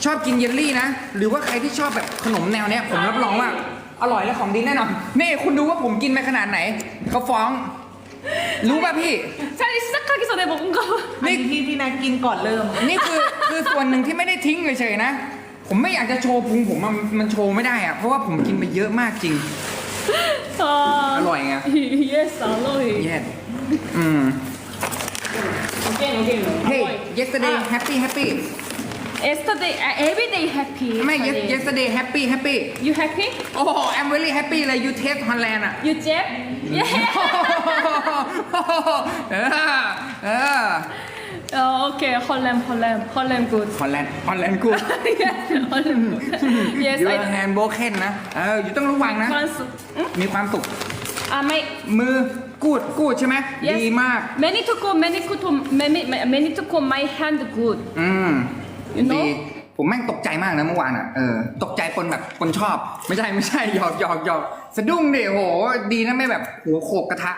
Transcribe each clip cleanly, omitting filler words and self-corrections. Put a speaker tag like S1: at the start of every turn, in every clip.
S1: ชอบกินเยลลี่นะหรือว่าใครที่ชอบแบบขนมแนวเนี้ยผมรับรองว่าอร่อยและของดีแน่นอนนี่คุณดูว่าผมกินไปขนาดไหนเขาฟ้องรู้ป่ะพี่
S2: 찰리 시작하기 전에 먹은 거
S3: นี่ที่นายกินก่อนเริ่ม
S1: นี่คือส่วนหนึ่งที่ไม่ได้ทิ้งเฉยๆนะผมไม่อยากจะโชว์พุงผมมันโชว์ไม่ได้อะเพราะว่าผมกินไปเยอะมากจริง อร่อยไง
S2: yes 알로이
S1: เย็ด
S2: again
S1: Hey yesterday happy
S2: yesterday every day happy
S1: ไม่ yesterday happy
S2: you happy
S1: โอ้ I'm very happy เลย you taste Holland อ่ะ
S2: you jet yeah
S1: เออ
S2: okay Holland good
S1: Holland good
S2: yes Holland good yes
S1: your hand broken นะอยู่ต้องระวังนะ มีความสุข
S2: ไม่
S1: มือกูดใช่ไหม
S2: yes
S1: ดีมาก
S2: many to go my hand good you
S1: ดี
S2: know
S1: ผมแม่งตกใจมากนะเมื่อวานอ่ะตกใจปนแบบปนชอบ ไม่ใช่หยอกสะดุ้งดิโหดีนะไม่แบบหัวโขกกระทะ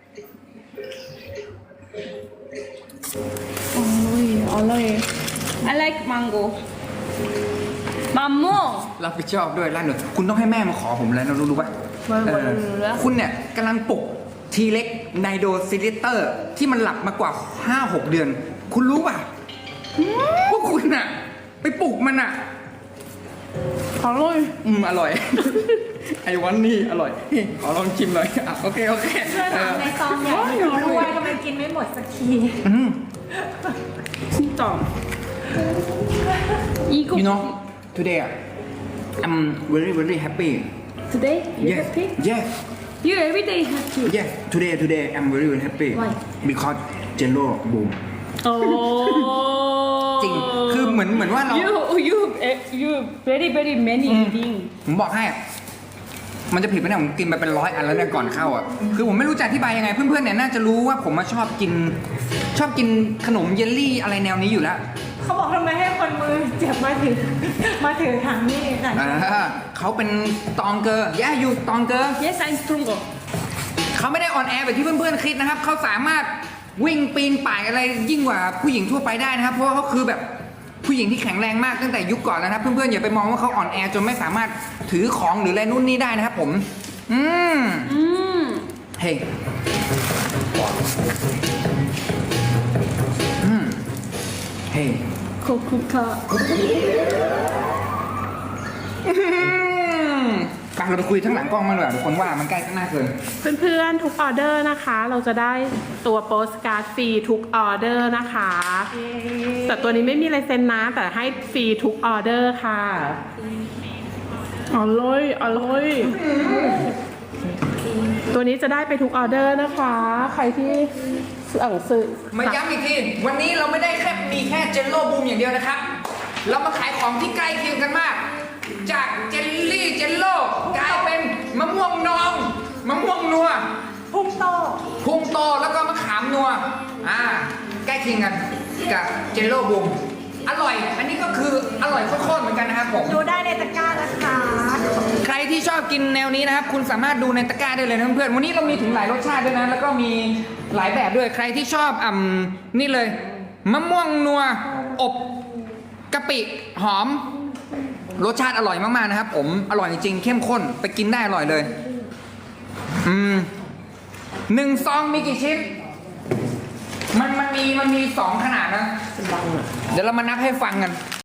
S2: อร่อย I like mango มะม่วง
S1: รับผิดชอบด้วยร้านหนึ่งคุณต้องให้แม่มาขอผมแล้วนะรู้ป่ะ
S2: รู้แล้ว
S1: คุณเนี่ยกำลังปลุกทีเล็กไนโดซิลิเตอร์ที่มันหลับมากว่า 5-6 เดือน คุณรู้ป่ะพวกคุณน่ะไปปลุกมันอ่ะ
S2: อร่อย
S1: อร่อย ไอ้วันนี้อร่อยขอลองชิมหน่อยอ่ะโอเค
S3: ในซองอยากรู้ด้วยทำไมกินไม่หมดสักที
S2: 진짜 이거
S1: You know today I'm very happy
S2: today you
S1: yes
S2: happy
S1: yes
S2: you everyday happy
S1: yes today I'm very happy
S2: Why?
S1: because Jello boom จริงคือเหมือนว่าเรา
S2: you very many eating
S1: ผมบอกให้ มันจะผิดไปเนี่ยผมกินไปเป็น100 อันแล้วเนี่ยก่อนเข้าอ่ะ คือผมไม่รู้จะอธิบายยังไง เพื่อนๆเนี่ยน่าจะรู้ว่าผมมาชอบกินขนมเยลลี่อะไรแนวนี้อยู่แล้ว
S3: เขาบอกทำไมให้คนมือเจ็บมาถือถังนี่ค่ะ
S1: เขาเป็นตองเกอร์อยู่ตองเกอร์
S2: yes I'm stronger
S1: เขาไม่ได้ออนแอร์แบบที่เพื่อนๆคิดนะครับ เขาสามารถวิ่งปีนป่ายอะไรยิ่งกว่าผู้หญิงทั่วไปได้นะครับ เพราะว่าเขาคือแบบผู้หญิงที่แข็งแรงมากตั้งแต่ยุคก่อนแล้วนะครับ เพื่อนๆอย่าไปมองว่าเขาอ่อนแอจนไม่สามารถถือของหรืออะไรนู่นนี่ได้นะครับผมเฮ้ยเฮ้ย
S2: 코코카
S1: ไปเราไปคุยทั้งหลังกล้องมาหน่อยทุกคนว่ามันใกล้ข้างหน้าเกิน
S4: เพื่อนๆทุกออเดอร์นะคะ เราจะได้ตัวโปสการ์ดฟรีทุกออเดอร์นะคะ แต่ตัวนี้ไม่มีลายเซ็นนะ แต่ให้ฟรีทุกออเดอร์ค่ะอร่อยตัวนี้จะได้ไปทุกออเดอร์นะคะ ใครที่สั่งซื้อ
S1: มาย้ำอีกที วันนี้เราไม่ได้มีแค่เจลโล่บูมอย่างเดียวนะครับ เรามาขายของที่ใกล้เคียงกันมาก จากเจลลี่เจลโล่กลายเป็นมะม่วงนองมะม่วงนัว
S3: พุ่งโต
S1: พุงโตแล้วก็มะขามนัวใกล้เคียงกันกับเจลโล่บูมอร่อย อันนี้ก็คืออร่อยโคตรๆเหมือนกันนะครับผม
S3: ดูได้ในตะกร้านะคะ
S1: ใครที่ชอบกินแนวนี้นะครับ คุณสามารถดูในตะกร้าได้เลยนะเพื่อนๆวันนี้เรามีถึงหลายรสชาติด้วยนะแล้วก็มีหลายแบบด้วยใครที่ชอบนี่เลยมะม่วงนัวอบกะปิหอมรสชาติอร่อยมากๆนะครับผมอร่อยจริงๆเข้มข้นไปกินได้อร่อยเลย1 ซองมีกี่ชิ้นมันมี2 ขนาดนะเดี๋ยวเรามานับให้ฟังกัน